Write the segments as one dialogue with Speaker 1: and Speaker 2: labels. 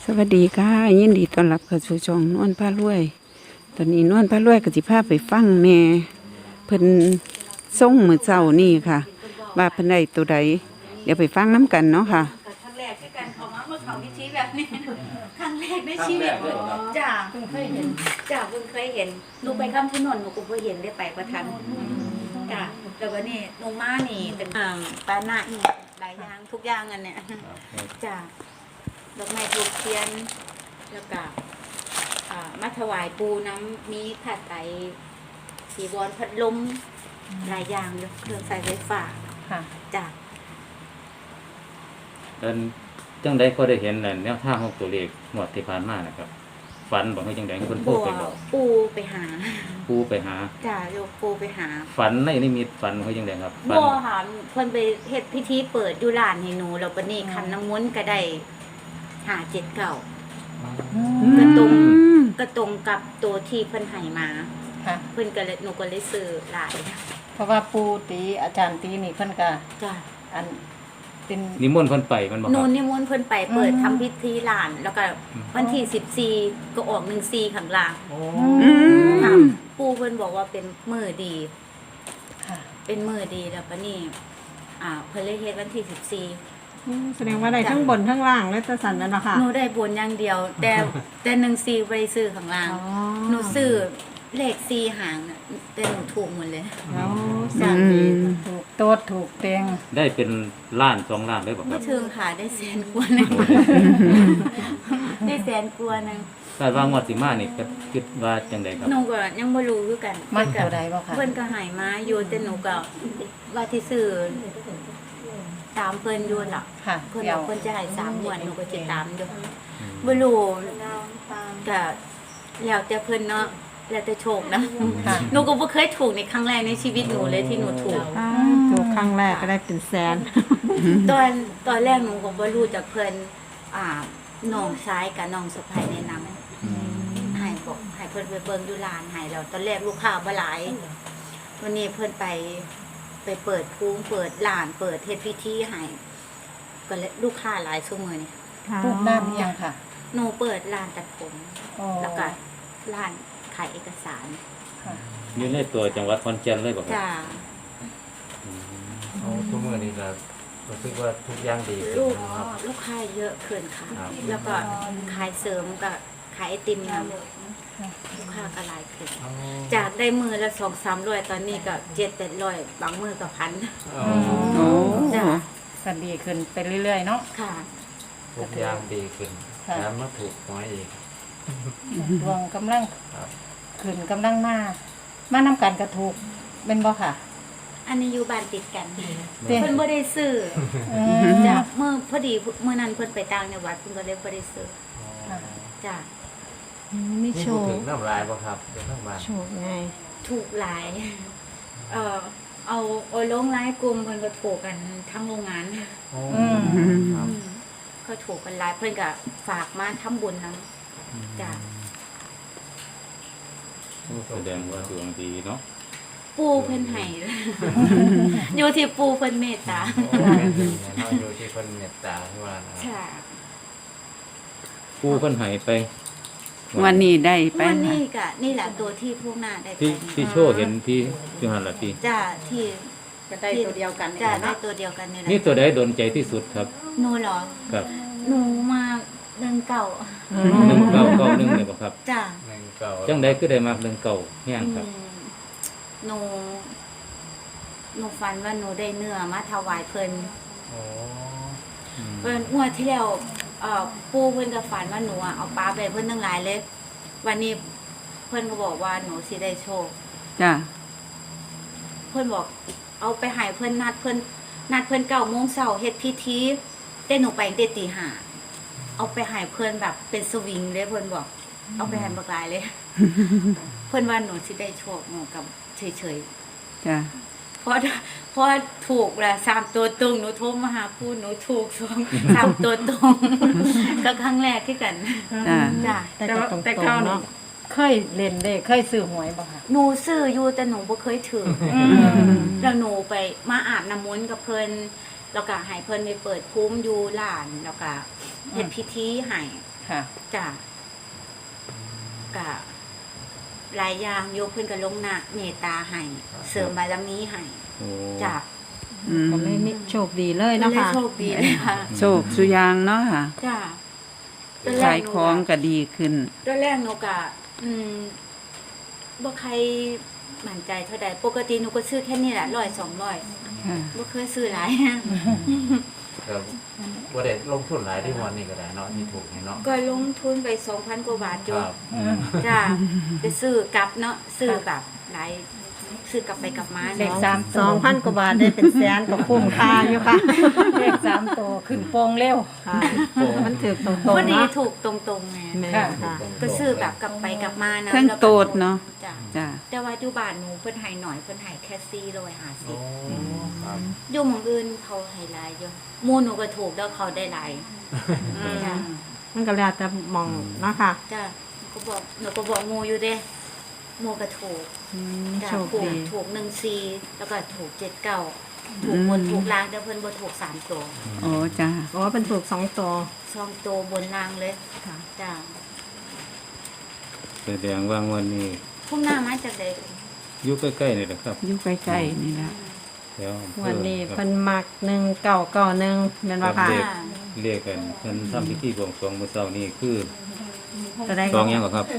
Speaker 1: สวัสดีค่ะยินดีต้อนรับเข้าสู่ช่องนวลพารวยตอนนี้นวลพารวยก็สิพาไปฟังแม่เพิ่นส่งมื้อเช้านี่ค่ะว่าเพิ่นได้ตัวใดเดี๋ยวไปฟังน้กันเนาะค่ะ
Speaker 2: ครั้งแรกที่การเขามาเมื่อเขาพิธีแบบนี้ครั้งแรกในชีวิตจ้าเพิ่งเคยเห็นจ้าเพิ่งเคยเห็นหนูไปคำชะโนดหนูก็เพิ่งเห็นได้ไปประทันจ้าแล้วก็นี่หนูมานี่เป็นปานะอีกหลายอย่างทุกอย่างอันเนี้ยจ้าดอกไม้ทูบเทียนแล้วก็มาถวายปูน้ำมีผ้าไตรสีวรพัดลมหลายอย่างเลยเครื่องใช้ไฟฟ้า
Speaker 3: ค่ะ
Speaker 2: จ้า
Speaker 4: จังใดก็ได้เห็นแนวทางของตัวเลขงวดที่ผ่านมานะครับฝันบอกให้จังใดเพิ่นพูดไปบอก
Speaker 2: ปูไปหาจ้าโยปูไปหา
Speaker 4: ฝันในนิมิตฝันเขาจังใดครับฝัน
Speaker 2: บ่ค่ะเพิ่นไปเฮ็ดพิธีเปิดอยู่ร้านให้หนูแล้วปานนี้คันน้ำมนต์ก็ได้579ก็ตรงกับตัวที่เพิ่นให้มา
Speaker 3: ค่ะ
Speaker 2: เพิ่นก็เลยหนูก็เลยซื้อหลาย
Speaker 3: เพราะว่าปูตีอาจารย์ตีนี่เพิ่นก็
Speaker 2: จ้า
Speaker 3: อันเป็น
Speaker 4: นิมนต์เพิ่นไปมันบ่ค
Speaker 2: หนู
Speaker 4: รับ
Speaker 2: นิมนต์เพิ่นไปเปิดทำพิธีร้านแล้วก็วันที่14ก็ออก14ข้างล่างค่ะปู่เพิ่นบอกว่าเป็นมื้อดี
Speaker 3: ค่ะ
Speaker 2: เป็นมื้อดีแล้วปานนี้เพิ่นเลยเฮ็ดวันที่
Speaker 5: แสดงว่าได้ทั้งบนทั้งล่างและตะสันนั่นแหละค่ะ
Speaker 2: 14หนูได้บนอย่างเดียว แต่14บ่ได้ซื้อข้างล่างหนูซื้อเลข4หางน่ะแต่หนูถูกหมดเลย
Speaker 5: แล้วสั่งดี
Speaker 3: ถูกโต๊ดถูกเตียง
Speaker 4: ได้เป็นล้าน2ล้านได้บ่ครั
Speaker 2: ไม่
Speaker 4: บ
Speaker 2: ถึงค่ะได้แสนกว่านึงได้แสนกว่านึง
Speaker 4: คาดว่างวดสิมานี่ก็คิดว่าจังใดครับ
Speaker 2: หนูก็ยังบ่รู้คือกัน
Speaker 3: มันเท่าใดบ่ค่ะ
Speaker 2: เพิ่นก็ให้มาอยู่แต่หนูก็ว่าที่ซื้อตามเพิ่นอยู่ล่ะ
Speaker 3: ค่ะ
Speaker 2: เพิ่นบอกเพิ่นจะให้3งวดหนูก็สิตามอยู่บ่รู้ก็แล้วแต่เพิ่นเนาะแล้วแต่โชคนะหนูก็บ่เคยถูกในครั้งแรกในชีวิตหนูเลยที่หนูถูก
Speaker 5: ครั้งแรกก็ได้เป็นแสน
Speaker 2: ตอนแรกหนูก็บ่รู้จักเพิ่นน้องชายกับน้องสะใภ้แนะนำให้บอกให้เพิ่นไปเบิ่งอยู่ร้านให้แล้วตอนแรกลูกค้าบ่หลายวันนี้เพิ่นไปเปิดภูมิเปิดร้านเปิดเฮ็ดพิธีให้ก็เลยลูกค้าหลายชั่วโมงนี่
Speaker 3: รูปด้านยังค่ะ
Speaker 2: หนูเปิดร้านตัดผมแล้วก็ร้านขายเอกสาร
Speaker 4: อยู่ในตัวจังหวัดขอนแก่นเลยบ่ครับ
Speaker 2: จ้า
Speaker 4: ทุกมื้อนี้ก็รู้สึกว่าทุกอย่างดีขึ้นนะครับ
Speaker 2: ลูกค้าเยอะขึ้นค่ะแล้วก็ขายเสริมกับขายไอติมนำลูกค้าก็หลายขึ้นจากได้มือละ200-300ตอนนี้ก็700-800บางมือก็1,000จ้า
Speaker 3: ก็ดีขึ้นไปเรื่อยๆเนาะ
Speaker 2: ค่ะ
Speaker 4: ทุกอย่างดีขึ้นแล้วมาถูกหวยอีก
Speaker 3: ดวงกำลังขึ้นกำลังมานำกันก็ถูกเป็นบ่ค่ะ
Speaker 2: อันนี้อยู่บ้านติดกันเพิ่นบ่ได้ซื้อจ้ะเมื่อพอดีเมื่อนั้นเพิ่นไปต่างจังหวัดเพิ่นก็เลยบ่ได้ซื้อจ้ะ
Speaker 5: มีโชว์
Speaker 4: ถึงน้ำลายบ่ครับเป็นน้ำลาย
Speaker 5: โชว์ไง
Speaker 2: ถูกหลายเอาลงไลน์กลุ่มเพิ่นก็ถูกกันทั้งโรงงานก็ถูกกันหลายเพิ่นก็ฝากมาทำบุญนำจ้ะ
Speaker 4: แสดงว่าดวงดีเนาะ
Speaker 2: ปูเพิ่นให้อยู่ที่ปูเพิ่นเมตตา
Speaker 4: อยู่ที่เพิ่นเมตตาที่ว่า
Speaker 2: ใช่
Speaker 4: ปูเพิ่นให้ไป
Speaker 1: วันนี้ได้ไป
Speaker 2: วันนี้ก็นี่แหละตัวที่พวกหน้าได้ไป
Speaker 4: ที่โชว์เห็นที่อยู่หั่นล่ะที่
Speaker 2: จ้าที่
Speaker 3: จะได้ตัวเดียวกัน
Speaker 2: จ้าได้ตัวเดียวกันนี่แหละ
Speaker 4: นี่ตัวใดโดนใจที่สุดครับ
Speaker 2: หนูเหรอ
Speaker 4: ครับ
Speaker 2: หนูมา1991
Speaker 4: เลยบ่ครับ
Speaker 2: จ้า
Speaker 4: จังได๋คือได้มาก19แฮงครับ
Speaker 2: หนูฝันว่าหนูได้เนื้อมาถวายเพิ่นเพิ่นงวดที่แล้วปู่เพิ่นก็ฝันว่าหนูเอาปลาไปเพิ่นทั้งหลายเลยวันนี้เพิ่นก็บอกว่าหนูสิได้โชค
Speaker 1: จ้ะ
Speaker 2: เพิ่นบอกเอาไปให้เพิ่นนัดเพิ่น9:00 นเฮ็ดพิธีแต่หนูไปตั้งแต่ตี 5เอาไปให้เพิ่นแบบเป็นสวิงเลยเพิ่นบอกเอาไปให้บักหลายเลยเพิ่นว่าหนูสิได้โชคหนูกับเฉย
Speaker 1: ๆจ้ะ
Speaker 2: เพราะถูกแหละ3ตัวตรงหนูโทรมาหาปู่หนูถูก3ตัวตรงก็ครั้งแรกที่กัน
Speaker 1: จ้ะ
Speaker 3: แต่เข้าเนาะเคยเล่นได้เคยซื้อหวยบ่ค่ะ
Speaker 2: หนูซื้ออยู่แต่หนูบ่เคยถือแล้วหนูไปมาอาบน้ำมนต์กับเพิ่นแล้วก็ให้เพิ่นไปเปิดภูมิอยู่ร้านแล้วก็เฮ็ดพิธีให้
Speaker 3: ค่ะ
Speaker 2: จ้ะกะหลายอย่างโยเพิ่นก็ลงหน้าเมตตาให้เสริมบารมีให้
Speaker 4: โอ้
Speaker 2: จ้ะ
Speaker 1: อืม
Speaker 5: ก็เลยมีโชคดีเลย
Speaker 2: ก็
Speaker 5: เนาะ
Speaker 2: เลย
Speaker 5: ค่ะ
Speaker 2: โชคดีเลยค่ะ
Speaker 1: โชคสุยางเนาะค่ะ
Speaker 2: จ้ะตอนแร
Speaker 1: ขาก ย
Speaker 2: หนู
Speaker 1: ของก็ดีขึ้น
Speaker 2: ตอนแรกหนูกะบ่ใครมั่นใจเท่าใดปกติหนูก็ซื้อแค่นี้แหละ100-200
Speaker 1: ค่ะ
Speaker 2: บ่เคยซื้อหลาย
Speaker 6: ครับว่าได้ลงทุนหลายที่วันนี้ก็ได้เนาะที่ถูกนี่เนาะ
Speaker 2: ก็ลงทุนไป 2,000 กว่าบาท
Speaker 6: ค
Speaker 2: จุ
Speaker 6: รับ
Speaker 2: จ้ะจะซื้อกลับเนาะซื้อแบบหลายซื้อกลับไปกลับมา
Speaker 3: เลข
Speaker 2: เนาะ
Speaker 3: 3ตัว
Speaker 5: 2,000 กว่าบาทได้เป็นแสนก็คุ้มค่าอยู่ค่ะ
Speaker 3: เลข3ตัวขึ้นโปงเร็ว
Speaker 5: ค่ะมันถือตรง
Speaker 2: พอ
Speaker 5: ๆ
Speaker 2: ดี
Speaker 5: เนาะ
Speaker 2: ถูกตรงๆไง
Speaker 5: แม่ค่ะ
Speaker 2: ก็ซื้อแบบกลับไปกลับมานะ
Speaker 1: เครื่องโตดเนาะ
Speaker 2: จ้ะ
Speaker 1: จ้ะ
Speaker 2: แต่ว่าอยู่บ้านหนูเพิ่นให้หน่อยเพิ่นให้แค่
Speaker 6: โอ้
Speaker 2: 450
Speaker 6: ครับ
Speaker 2: อยู่หม้องอื่นเขาให้หลายอยู่หมู่หนูก็ถูกแล้วเขาได้หลายจ้ะ
Speaker 5: มันก็แล้วแต่มองเนาะค่ะ
Speaker 2: จ้ะหนูก็บอกหมู่อยู่เด้หมู่ก็ถูก จ้ะ
Speaker 5: โชค
Speaker 2: ถูก
Speaker 5: ดี
Speaker 2: ถูก14แล้วก็ถูก79ถูกบนถูกล่างแต่เพิ่นบ่ถูก3ตัว
Speaker 1: โอ้จ้ะ
Speaker 5: อ๋อเป็นถูก2ตัว
Speaker 2: 2ตัวบนล่างเลย
Speaker 5: ค่ะ
Speaker 2: จ้ะ
Speaker 4: แสดงว่างวันนี้
Speaker 2: พุ่มหน้ามาจากใด
Speaker 4: อยู่ใกล้ๆนี่แหละครับ
Speaker 1: อยู่ใกล้ๆนี่แหละ
Speaker 4: แถวอำเภอ
Speaker 5: วันนี้
Speaker 4: ครับ
Speaker 5: เพิ่นมัก1991แม่นบ่ค่ะ
Speaker 4: ครับ เรียกกันเพิ่นทำพิธีบวงสรวงมื้อเช้านี้คือ
Speaker 5: จะได้
Speaker 4: สองหยังก็ครับ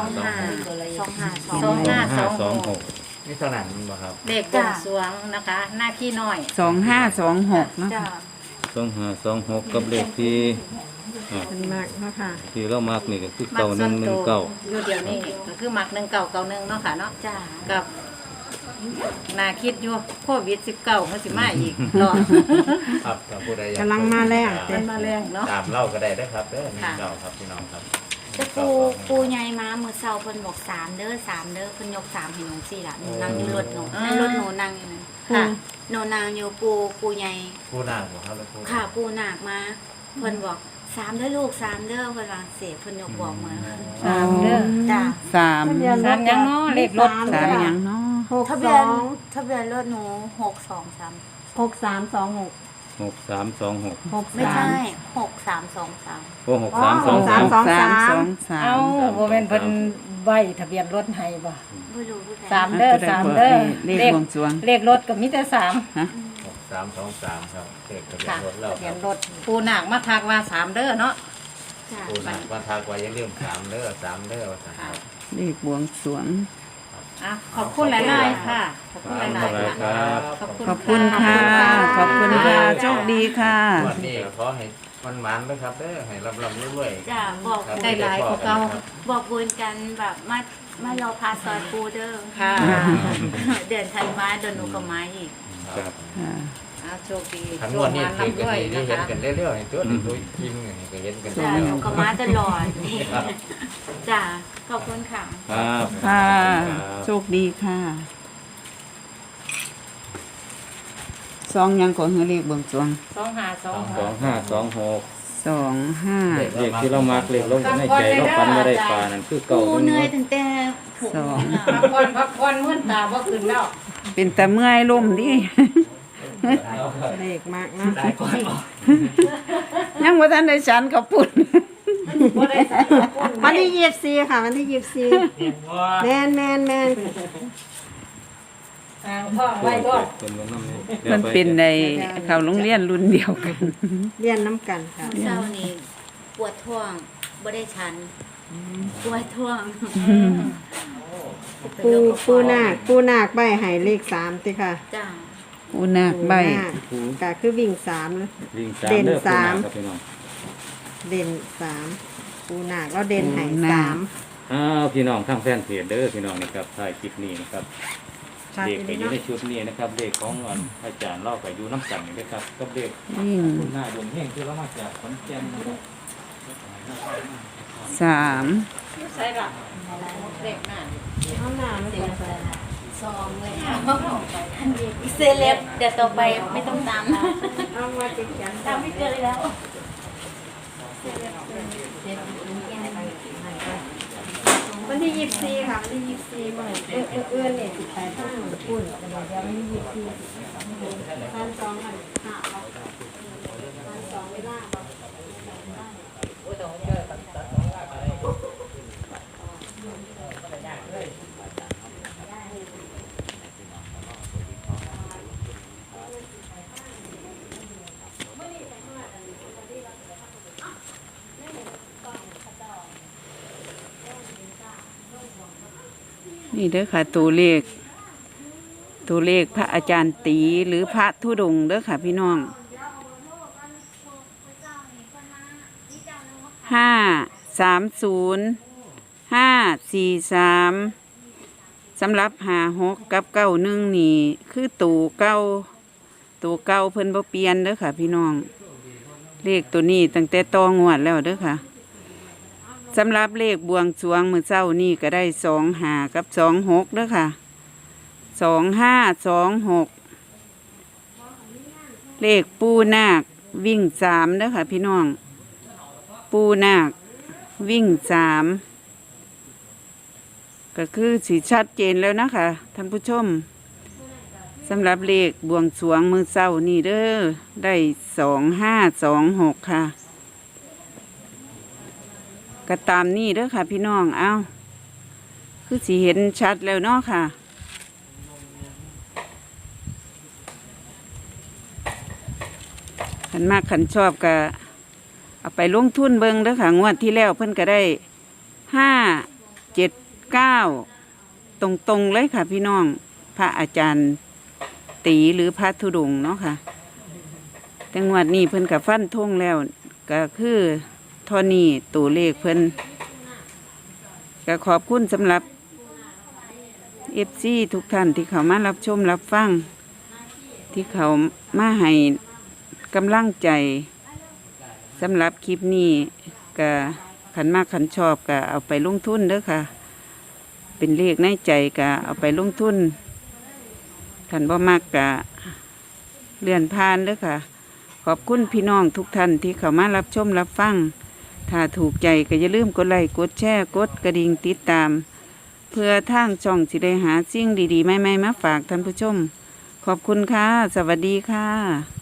Speaker 2: 2526
Speaker 6: นี่เท่านั้นมันบ่ครับ
Speaker 3: เลขบวงสรวงนะคะ หน้าขี้น้อย
Speaker 1: 2526เนาะ
Speaker 2: จ้ะ
Speaker 4: 2526กับเลขที่
Speaker 5: เป็นมากเนาะค่ะ
Speaker 4: ที่เรามักนี่ก็คือ
Speaker 3: มักส่วนตัว
Speaker 4: 9119
Speaker 3: อยู่เดี๋ยวนี้ก็คือมัก1991เนาะค่ะเนาะ
Speaker 2: จ้ะ
Speaker 3: กับน่าคิดอยู่โควิด19มันสิมาอีกเนาะ
Speaker 6: ครับถ้าผู้ใดอยาก
Speaker 5: กำลังมาแรง
Speaker 3: มันมาแรงเนาะ
Speaker 6: ตามเล่าก็ได้นะครับเด้อนี่เล่าครับพี่น้องครับ
Speaker 2: แต่ปูใหญ่มามื้อเช้าเพิ่นบอก3เด้อ3เด้อเพิ่นยก3ให้หนู4ล่ะหนูนั่งอยู่รถหนูในรถหนูนั่งอยู่นั่น
Speaker 3: ค่ะ
Speaker 2: หนูนั่งอยู่ปูใหญ่
Speaker 6: ผู้นางบ่ครับแล้วผู้
Speaker 2: ค่ะปูหนักมาเพิ่นบอก3เด้อลูก3เด้อเพิ่นว่าเสียเพิ่นยกบอกมา
Speaker 3: 3เด้อ
Speaker 2: จ้ะ
Speaker 1: สาม
Speaker 3: สามยังเนาะเลขรถ
Speaker 1: สามหยังเนาะ
Speaker 2: ทะเบียนทะเบียนรถหนู623
Speaker 5: 6326
Speaker 4: 6326
Speaker 2: ไม่ใช่6323
Speaker 4: โอ้6323
Speaker 1: 323
Speaker 3: เอ้าบ่แม่นเพิ่นไว้ทะเบียนรถให้บ่
Speaker 2: บ่รู้ผู้ใด
Speaker 3: สามเด้อสามเด้อ
Speaker 1: เลขบวงสรวง
Speaker 3: เลขรถก็มีแต่3
Speaker 1: ฮะ
Speaker 6: 6323ครับเลขทะเบียน
Speaker 3: ค่ะ
Speaker 6: รถเรา
Speaker 3: ทะ
Speaker 6: ค
Speaker 3: เบีย
Speaker 6: รับ
Speaker 3: นรถปูนาคมาทักว่า3เด้อเนาะ
Speaker 2: จ้ะ
Speaker 6: ผู้นางวันทากว่าอย่าลืม3เด้อ3เด้อว่าซั่นครับ
Speaker 1: เลขบวงสรวง
Speaker 3: อ่ะขอบคุณหลายๆค่ะ ขอบคุณหลายๆค่ะ
Speaker 4: ครับ
Speaker 1: ขอบคุณค่ะ ขอบคุณค่ะ โชคดีค่ะ
Speaker 6: วันนี้ก็ขอให้มันหมานๆนะครับเด้อให้ร่ำๆรวยๆ
Speaker 2: จ้ะบอก
Speaker 6: ครับ
Speaker 3: ได้หลายกว่าเก่า
Speaker 2: บอกบุญกันแบบมารอพาซอยปูเด้อ
Speaker 3: ค่ะ
Speaker 2: เดือนธันวาเดือนหนูก็มาอีก
Speaker 4: ครับ
Speaker 1: ค่ะ
Speaker 3: เอาโชคดี
Speaker 6: ทั้ง
Speaker 3: โช
Speaker 6: วั
Speaker 3: คน
Speaker 6: นี้
Speaker 3: มา
Speaker 6: คือ
Speaker 3: ลำ
Speaker 6: กัน
Speaker 3: ด้วย
Speaker 6: นี่
Speaker 3: นะ
Speaker 6: เห็น
Speaker 3: คะ
Speaker 6: กันเรื่อยๆตัวนี้ตัวจริงนี่ก็เห็นกัน
Speaker 2: จ้ะ
Speaker 6: เรื่
Speaker 2: หนู
Speaker 6: อย
Speaker 2: ก็มาตลอดจ้ะขอบคุณค่ะ
Speaker 4: ครับ
Speaker 1: ค่ะ
Speaker 4: ครับ
Speaker 1: โชคดีค่ะสองหยังก่อนคือเลขบวงสรวง
Speaker 3: 2526
Speaker 4: 2526
Speaker 1: 25
Speaker 4: เลขที่เรามักเลขเราในใจเราฝันว่าได้ปลานั่นคือ
Speaker 2: ปู
Speaker 4: เก่า
Speaker 2: เหนื่อยตั้งแต่หกโมงอะ
Speaker 3: พักผ่อนมื่นตาบ่ขึ้นแล้ว
Speaker 1: เป็นแต่เมื่อยล่มดิ
Speaker 5: เลขมากเนาะ
Speaker 1: ยังว่าท่านได้ฉันกับปุ่น
Speaker 5: วันที่24ค่ะวันที่24แม่น
Speaker 3: ทางพ่อไว้ก่อน
Speaker 4: เป็นวันนั้น
Speaker 1: มันเป็นในเขาโรงเรียนรุ่นเดียวกัน
Speaker 5: เรียนน้ำกันค่ะ
Speaker 2: เช้านี้ปวดท้องบ่ได้ชันปวดท้อง
Speaker 5: ปูนาคใบให้เลข3ติค่ะ
Speaker 2: จ้ะ
Speaker 1: อุนาคใบ
Speaker 5: ปูนาคก็คือวิ่ง3นะ
Speaker 4: วิ่ง
Speaker 5: เด่น
Speaker 4: ด้อ
Speaker 5: สาม
Speaker 4: ครับพี่น้อง
Speaker 5: เด่น3ปูนาคแล้วเด่นให้
Speaker 1: ปูนาค
Speaker 5: 3
Speaker 4: อ้าวพี่น้องทางแฟนเพจเด้อพี่น้องนี่ครับถ่ายคลิปนี้นะครับ
Speaker 5: ชัด
Speaker 4: เด็ก
Speaker 5: อี
Speaker 4: ก็
Speaker 5: หลี
Speaker 4: อยู่
Speaker 5: เนาะ
Speaker 4: ในชุดนี้นะครับเด็กของอาจารย์เล่าก็อยู่น้ำกันนี่นะครับกับเด็ก
Speaker 1: วิ่ง
Speaker 4: คุณหน้าดวงเฮงที่เรามาจากขอนแก่นนะครับ
Speaker 1: 3
Speaker 3: ใส่ละเลขหน้า
Speaker 5: เอาหน้าไม่ใส่
Speaker 2: ซองเลยค่ะเซเลบเดี๋ยวต่อไปไม่ต้องตาม
Speaker 5: เอามาติดกัน
Speaker 2: ตามไม่เกินเลยแล้ว
Speaker 5: วันที่24ค่ะวันที่24มื้อเอื้อนนี่สิไปทางปุ่นเดี๋ยววันที่24ท่าน2กัน5ท่าน2เวลา
Speaker 1: นี่เด้อค่ะตัวเลขพระอาจารย์ตีหรือพระธุดงค์เด้อค่ะพี่น้อง530 543สำหรับ56กับ91นี่คือตัวเก่าเพิ่นบ่เปลี่ยนเด้อค่ะพี่น้องเลขตัวนี้ตั้งแต่ต่องวดแล้วเด้อค่ะสำหรับเลขบวงสรวงมื้อเช้านี่ก็ได้25กับ26เด้อค่ะ2526เลขปูนาควิ่ง3เด้อค่ะพี่น้องปูนาควิ่ง3ก็คือสีชัดเจนแล้วนะคะท่านผู้ชมสำหรับเลขบวงสรวงมื้อเช้านี่เด้อได้2526ค่ะก็ตามนี่เด้อค่ะพี่น้องเอาคือสิเห็นชัดแล้วเนาะค่ะขันมากขันชอบก็เอาไปลงทุนเบิ่งเด้อค่ะงวดที่แล้วเพิ่นก็ได้579ตรงๆเลยค่ะพี่น้องพระอาจารย์ตีหรือพระธุดงค์เนาะค่ะแต่งวดนี้เพิ่นก็ฟันธงแล้วก็คือเท่านี้ตัวเลขเพิ่นก็ขอบคุณสำหรับ FC ทุกท่านที่เขามารับชมรับฟังที่เขามาให้กำลังใจสำหรับคลิปนี้ก็ขันมากขันชอบก็เอาไปลงทุนเด้อค่ะเป็นเลขในใจก็เอาไปลงทุนขันบ่มากก็เลื่อนผ่านเด้อค่ะขอบคุณพี่น้องทุกท่านที่เขามารับชมรับฟังถ้าถูกใจก็อย่าลืมกดไลค์กดแชร์กดกระดิ่งติดตามเพื่อทางช่องสิได้หาสิ่งดีๆใหม่ๆมาฝากท่านผู้ชมขอบคุณค่ะสวัสดีค่ะ